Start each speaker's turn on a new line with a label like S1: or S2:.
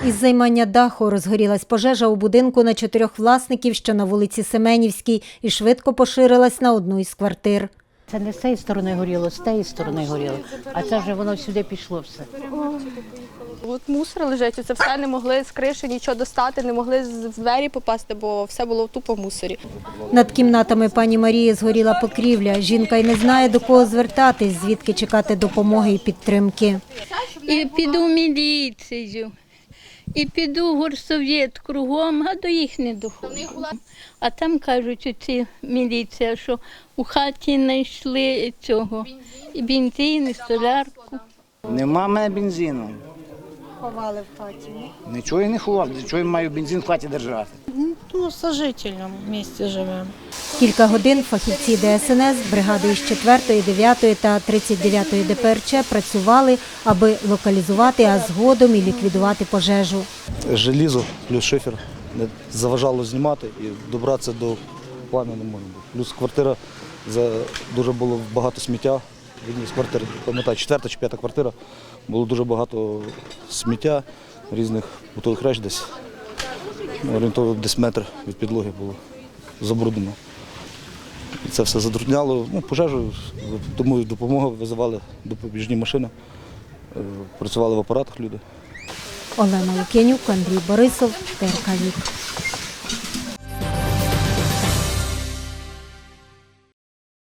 S1: Із займання даху розгорілась пожежа у будинку на 4 власників, що на вулиці Семенівській, і швидко поширилась на одну із квартир.
S2: Це не з цієї сторони горіло, з тієї сторони горіло, а це вже воно сюди пішло все.
S3: От мусор лежить, це все не могли з криші нічого достати, не могли в двері попасти, бо все було тупо в мусорі.
S1: Над кімнатами пані Марії згоріла покрівля. Жінка й не знає, до кого звертатись, звідки чекати допомоги і підтримки.
S4: І піду в міліцію, і піду в горсовєт кругом, а до їх не доходить. А там кажуть, оці міліція, що у хаті знайшли цього, і бензин, і солярку.
S5: Нема в мене бензину.
S1: Ховали в хаті.
S5: Нічого я не ховав, для чого я маю бензин в хаті держати.
S6: Ну, з сожителем в місті живемо.
S1: Кілька годин фахівці ДСНС, бригади із 4-ї, 9-ї та 39-ї ДПРЧ працювали, аби локалізувати, а згодом і ліквідувати пожежу.
S7: Желізо плюс шифер не заважало знімати і добратися до плам'я не можна було. Плюс квартира, дуже було багато сміття. В одній з квартир, пам'ятаю, 4-та чи 5-та квартира, було дуже багато сміття, різних бутових реч десь. Орієнтовно десь метр від підлоги було забруднено. І це все затрудняло. Пожежу, тому допомогу визивали допоміжні машини, працювали в апаратах люди.
S1: Олена Лук'янюк, Андрій Борисов, ТРК Вік.